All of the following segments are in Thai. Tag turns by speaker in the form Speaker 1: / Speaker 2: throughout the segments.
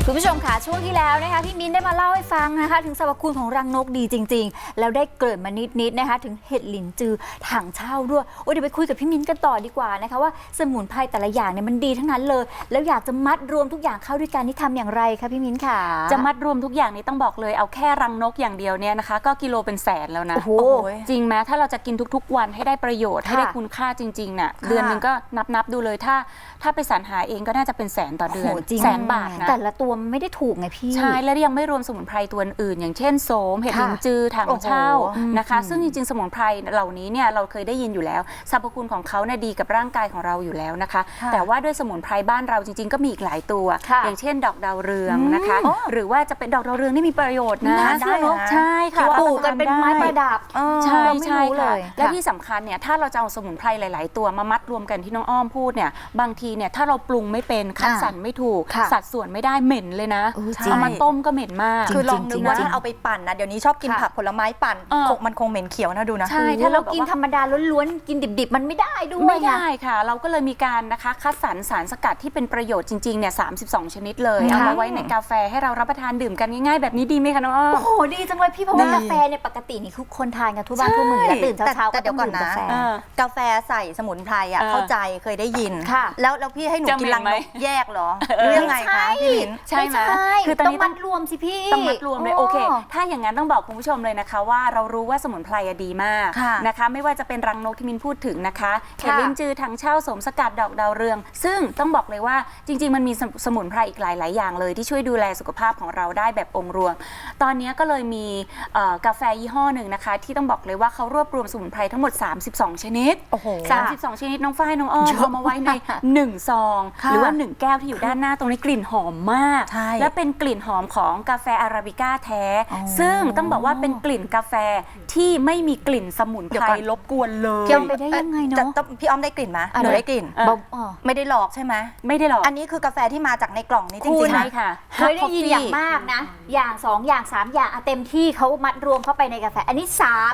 Speaker 1: คุณผู้ชมค่ะช่วงที่แล้วนะคะพี่มิ้นได้มาเล่าให้ฟังนะคะถึงสรรพคุณของรังนกดีจริงๆแล้วได้เกริ่นมานิดๆนะคะถึงเห็ดหลินจือถังเช่าด้วยเดี๋ยวไปคุยกับพี่มิ้นกันต่อดีกว่านะคะว่าสมุนไพรแต่ละอย่างเนี่ยมันดีทั้งนั้นเลยแล้วอยากจะมัดรวมทุกอย่างเข้าด้วยกันนี่ทำอย่างไรคะพี่มิ้นค่ะ
Speaker 2: จะมัดรวมทุกอย่างนี้ต้องบอกเลยเอาแค่รังนกอย่างเดียวเนี่ยนะคะก็กิโลเป็นแสนแล้วนะ
Speaker 1: โอ้โห
Speaker 2: จริงไหมถ้าเราจะกินทุกๆวันให้ได้ประโยชน์ให้ได้คุณค่าจริงๆน่ะเดือนนึงก็นับดูเลยถ้าไปสรรหาเองก็น่าจะเป็นแสนต่อเดือนแสนบาทนะ
Speaker 1: แต่ละตัวมันไม่ได้ถูกไงพี่
Speaker 2: ใช่แล้วยังไม่รวมสมุนไพรตัวอื่นอย่างเช่นโสมเห็ดหลินจือถังเช่านะคะซึ่งจริงๆสมุนไพรเหล่านี้เนี่ยเราเคยได้ยินอยู่แล้วสรรพคุณของเขาเนี่ยดีกับร่างกายของเราอยู่แล้วนะคะแต่ว่าด้วยสมุนไพรบ้านเราจริงๆก็มีอีกหลายตัวอย่างเช่นดอกดาวเรืองนะคะหรือว่าจะเป็นดอกดาวเรืองนี่มีประโยชน์นะใช่ค่ะ
Speaker 1: ปลูกกันเป็นไม้ประดับ
Speaker 2: ใช่ค่ะและที่สำคัญเนี่ยถ้าเราจะเอาสมุนไพรหลายๆตัวมามัดรวมกันที่น้องอ้อมพูดเนี่ยบางทีเนี่ยถ้าเราปรุงไม่เป็นคัดสรรไม่ถูกสัดส่วนไม่ได้เหม็นเลยนะเอามาต้มก็เหม็นมาก
Speaker 3: คือลองนึกว่าถ้าเอาไปปั่นนะเดี๋ยวนี้ชอบกินผักผลไม้ปั่นมันคงเหม็นเขียวนะดูนะ
Speaker 1: ใช่ถ้าเรากินธรรมดาล้วนๆกินดิบๆมันไม่ได้ด้วย
Speaker 2: ไม่ได้ค่ะเราก็เลยมีการนะคะคัดสรรสารสกัดที่เป็นประโยชน์จริงๆเนี่ย32 ชนิดเลยเอามาไว้ในกาแฟให้เรารับประทานดื่มกันง่ายๆแบบนี้ดีไหมคะน้องอ้อม
Speaker 1: โอ้โหดีจังเลยพี่เพราะว่ากาแฟเนี่ยปกตินี่ทุกคนทานกันทุกบ้านทุกเมืองแล้วตื่นเช้าๆก็ต้องดื่มกาแฟ
Speaker 3: กาแฟใส่สมุนไพรอ่ะเข้าใจเคยได้ยินแล้วพี่ให้หนูกินรังนกแยกเหรอหรือยังไงคะพี่มิ้น
Speaker 2: ใช่ไหม
Speaker 1: คือต้องมัดรวมสิพี่
Speaker 2: ต้องมัดรวมเลยโอเคถ้าอย่างนั้นต้องบอกคุณผู้ชมเลยนะคะว่าเรารู้ว่าสมุนไพรดีมากนะคะไม่ว่าจะเป็นรังนกที่มินพูดถึงนะคะเห็ดลิ้นจือถังเช่าโสมสกัดดอกดาวเรืองซึ่งต้องบอกเลยว่าจริงๆมันมีสมุนไพรอีกหลายๆอย่างเลยที่ช่วยดูแลสุขภาพของเราได้แบบองค์รวมตอนนี้ก็เลยมีกาแฟยี่ห้อหนึ่งนะคะที่ต้องบอกเลยว่าเขารวบรวมสมุนไพรทั้งหมด32 ชนิด32 ชนิดน้องฝ้ายน้องอ้อมเอามาไว้ใน1 ซองหรือว่า1 แก้วที่อยู่ด้านหน้าตรงนี้กลิ่นหอมมากและเป็นกลิ่นหอมของกาแฟอาราบิก้าแท้ซึ่งต้องบอกว่าเป็นกลิ่นกาแฟที่ไม่มีกลิ่นสมุนไพรรบกวนเลย
Speaker 1: พี่อ้อมไปได้ยังไงเนาะ
Speaker 3: พี่อ้อมได้กลิ่นไหมหนูได้กลิ่นไม่ได้หลอกใช่ไหม
Speaker 2: ไม่ได้หลอก
Speaker 3: อันนี้คือกาแฟที่มาจากในกล่องนี้จริงๆ
Speaker 2: ใช่ค่ะ
Speaker 1: เคยได้ยินอย่างมากนะอย่าง2อย่าง3อย่างเต็มที่เขามัดรวมเข้าไปในกาแฟอันนี้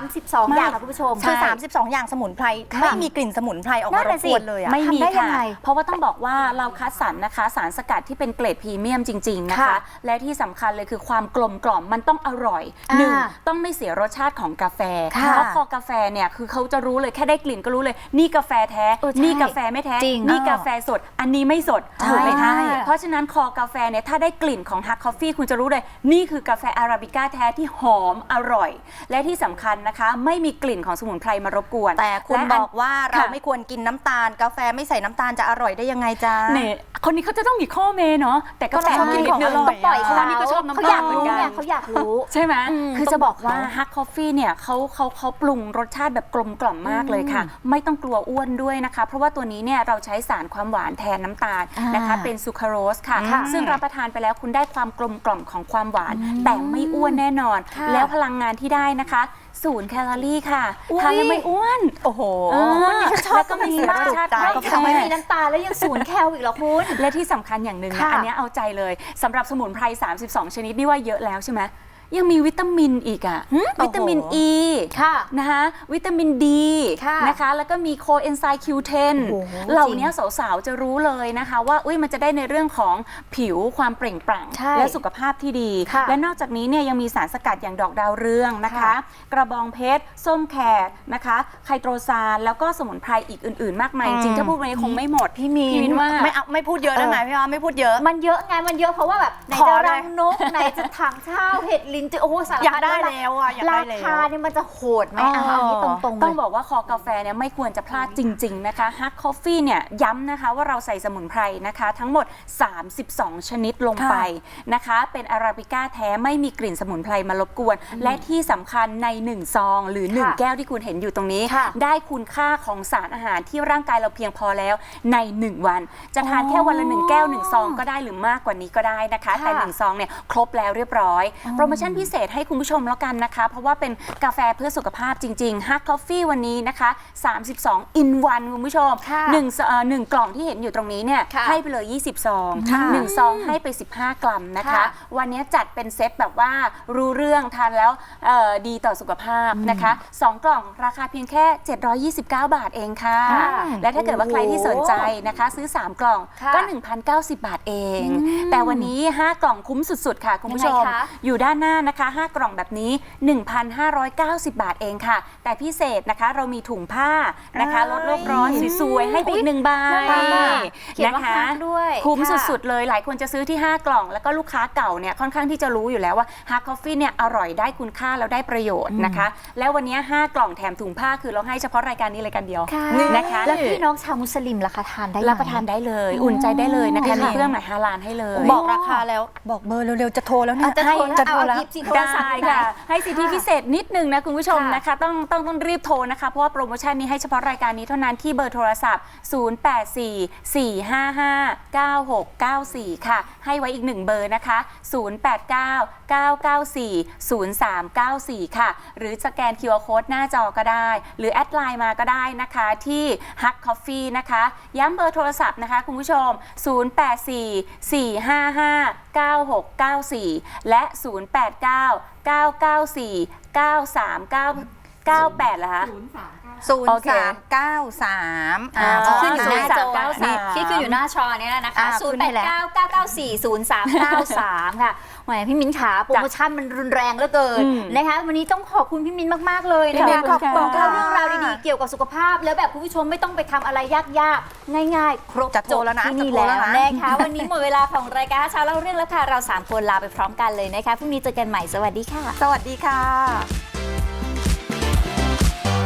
Speaker 1: 32อย่างค่ะคุณผู้ชม
Speaker 3: คือ32อย่างสมุนไพรไม่มีกลิ่นสมุนไพรออกมารบกวนเลย
Speaker 2: ไม่มีค่ะเพราะว่าต้องบอกว่าเราคัดสรรนะคะสารสกัดที่เป็นเกรดพรีเมียมจริงๆนะคะและที่สำคัญเลยคือความกลมกล่อมมันต้องอร่อย1ต้องไม่เสียรสชาติของกาแฟเพราะพอกาแฟเนี่ยคือเขาจะรู้เลยแค่ได้กลิ่นก็รู้เลยนี่กาแฟแท้นี่กาแฟไม่แท้นี่กาแฟสดอันนี้ไม่สดถูกไหมคะเพราะฉะนั้นคอกาแฟเนี่ยถ้าได้กลิ่นของฮักคอฟฟี่คุณจะรู้เลยนี่คือกาแฟอาราบิก้าแท้ที่หอมอร่อยและที่สำคัญนะคะไม่มีกลิ่นของสมุนไพรมารบกวน
Speaker 3: แต่คุณบอกว่าเราไม่ควรกินน้ำตาลกาแฟไม่ใส่น้ำตาลจะอร่อยได้ยังไงจ๊ะ
Speaker 2: เนี่ยคนนี้เขาจะต้องมีข้อเมเนาะแต่ก็ชอบกินของอร่อย
Speaker 1: ต้องปล่อยเขา
Speaker 2: นี่ก็ชอบน้ำตาลเหมือนกัน
Speaker 1: เขาอยากรู้
Speaker 2: ใช่ไหมคือจะบอกว่าฮักคอฟฟี่เนี่ยเขาปรุงรสชาติแบบกลมกล่อมมากเลยค่ะไม่ต้องกลัวอ้วนด้วยนะคะเพราะว่าตัวนี้เนี่ยเราใช้สารความหวานแทนน้ำตาลนะคะเป็นซูคราโรสค่ะซึ่งรับประทานไปแล้วคุณได้ความกลมกล่อมของความหวานแต่ไม่อ้วนแน่นอนแล้วพลังงานที่ได้นะคะ0 แคลอรี่ค่ะทานแล้วไม่อ้วน
Speaker 3: โอ้โห
Speaker 2: แล้วก็มีรสชาติ
Speaker 1: ไม่มีน้ำตาลแล้วยัง0 แคลอีกเหรอคุณ
Speaker 2: และที่สำคัญอย่างหนึ่งอันนี้เอาใจเลยสำหรับสมุนไพร32 ชนิดนี่ว่าเยอะแล้วใช่ไหมยังมีวิตามินอีกอะวิตามิน E นะคะวิตามิน D นะคะแล้วก็มีโคเอนไซม์ Q10 เหล่านี้สาวๆจะรู้เลยนะคะว่ามันจะได้ในเรื่องของผิวความเปล่งปลั่งและสุขภาพที่ดีและนอกจากนี้เนี่ยยังมีสารสกัดอย่างดอกดาวเรืองนะคะกระบองเพชรส้มแขกนะคะไคโตรซานแล้วก็สมุนไพรอีกอื่นๆมากมายจริงๆถ้าพูดไปคงไม่หมด
Speaker 1: พี่มีน
Speaker 3: ว่าไม่พูดเยอะได้ไหมพี่อ้อมไม่พูดเยอะ
Speaker 1: มันเยอะไงมันเยอะเพราะว่าแบบไหนจะรังนกไหนจะถังเช่าเห็ดลิ้นจือโอ้สารพัด
Speaker 3: อยากได้แล้วอ่ะ
Speaker 1: ราคาเนี่ยมันจะโหดไหมเอาที่ตรงๆ
Speaker 2: ต้องบอกว่าคอกาแฟเนี่ยไม่ควรจะพลาดจริงๆนะคะฮักคอฟฟี่เนี่ยย้ำนะคะว่าเราใส่สมุนไพรนะคะทั้งหมด32 ชนิดลงไปนะคะเป็นอาราบิก้าแท้ไม่มีกลิ่นสมุนไพรมารบกวนและที่สำคัญใน1 ซองหรือ1 แก้วที่คุณเห็นอยู่ตรงนี้ได้คุณค่าของสารอาหารที่ร่างกายเราเพียงพอแล้วใน1 วันจะทานแค่วันละ1 แก้ว1 ซองก็ได้หรือมากกว่านี้ก็ได้นะคะแต่1 ซองเนี่ยครบแล้วเรียบร้อยโปรโมชั่นนพิเศษให้คุณผู้ชมแล้วกันนะคะ เพราะว่าเป็นกาแฟเพื่อสุขภาพจริงๆ Hug Coffee วันนี้นะคะ32 in 1คุณผู้ชม1กล่องที่เห็นอยู่ตรงนี้เนี่ยให้ไปเลย20 ซอง1 ซองให้ไป15 กรัมนะคะวันนี้จัดเป็นเซตแบบว่ารู้เรื่องทานแล้วดีต่อสุขภาพนะคะ2 กล่องราคาเพียงแค่729 บาทเองค่ะและถ้าเกิดว่าใครที่สนใจนะคะซื้อ3 กล่องก็ 1,090 บาทเองแต่วันนี้5 กล่องคุ้มสุดๆค่ะคุณผู้ชมอยู่ด้านหน้านะคะ5 กล่องแบบนี้ 1,590 บาทเองค่ะแต่พิเศษนะคะเรามีถุงผ้านะคะลดโลกร้อนสวยๆให้ไปอีก1 ใบนะคะคุ้มสุดๆเลยหลายคนจะซื้อที่5 กล่องแล้วก็ลูกค้าเก่าเนี่ยค่อนข้างที่จะรู้อยู่แล้วว่า Hug Coffee เนี่ยอร่อยได้คุณค่าแล้วได้ประโยชน์นะคะแล้ววันนี้5 กล่องแถมถุงผ้าคือเราให้เฉพาะรายการนี้รายการเดียวนะคะ
Speaker 1: แล้วพี่น้องชาวมุสลิมล่ะคะทานได้
Speaker 2: รับประทานได้เลยอุ่นใจได้เลยนะคะมีเครื่องหมายฮาลาลให้เลย
Speaker 3: บอกราคาแล้วบอกเบอร์เร็วๆจะโทรแล้วเนี่ย
Speaker 1: จะโทรแล้ว
Speaker 2: ได้ค่ะให้สิทธิพิเศษนิดนึงนะคุณผู้ชมนะคะต้องรีบโทรนะคะเพราะว่าโปรโมชั่นนี้ให้เฉพาะรายการนี้เท่านั้นที่เบอร์โทรศัพท์0844559694ค่ะให้ไว้อีก1 เบอร์นะคะ0899940394ค่ะหรือสแกน QR Code หน้าจอก็ได้หรือแอดไลน์มาก็ได้นะคะที่ Hug Coffee นะคะย้ำเบอร์โทรศัพท์นะคะคุณผู้ชม0844559694และ0899949398เหรอคะ
Speaker 3: 0393
Speaker 1: ขึ้นอยู่หน้าจอที่ขึ้นอยู่หน้าจอเนี่ยนะคะ0899940393ค่ะแหมพี่มิ้นขาโปรโมชั่นมันรุนแรงเหลือเกินนะคะวันนี้ต้องขอบคุณพี่มิ้นมากๆเลยนะคะบอกเล่าเรื่องราวดีๆเกี่ยวกับสุขภาพแล้วแบบคุณผู้ชมไม่ต้องไปทำอะไรยากๆง่ายๆครบจบที่นี่แล้วนะคะวันนี้หมดเวลาของรายการเช้าเล่าเรื่องแล้วค่ะเรา3 คนลาไปพร้อมกันเลยนะคะพรุ่งนี้เจอกันใหม่สวัสดีค่ะ
Speaker 3: สวัสดีค่ะ